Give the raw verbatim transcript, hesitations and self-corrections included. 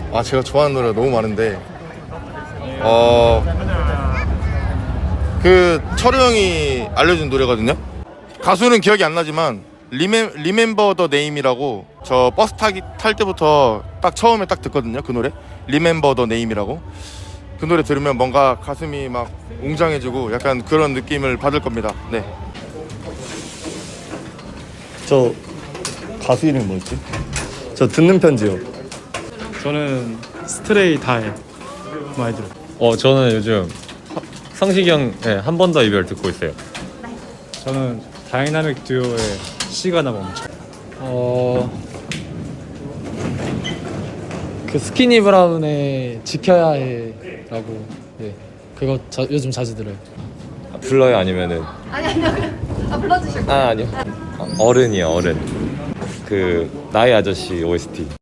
아 제가 좋아하는 노래가 너무 많은데 어... 그 철우 형이 알려준 노래거든요. 가수는 기억이 안 나지만 리메, 리멤버 더 네임이라고 저 버스 타기, 탈 때부터 딱 처음에 딱 듣거든요. 그 노래 리멤버 더 네임이라고. 그 노래 들으면 뭔가 가슴이 막 웅장해지고 약간 그런 느낌을 받을 겁니다. 네. 저 가수 이름이 뭐였지? 저 듣는 편지요. 저는 스트레이 다이 많이 들어요. 어 저는 요즘 성식이 형 한 번 더 이별 듣고 있어요. 저는 다이나믹 듀오의 시가나 멈춰. 어... 그 스키니 브라운의 지켜야 해라고. 네, 그거 자, 요즘 자주 들어요. 아, 불러요 아니면은? 아니 아니요. 아 불러주실 거예요? 아 아니요. 아, 어른이요 어른. 그 나의 아저씨 오에스티.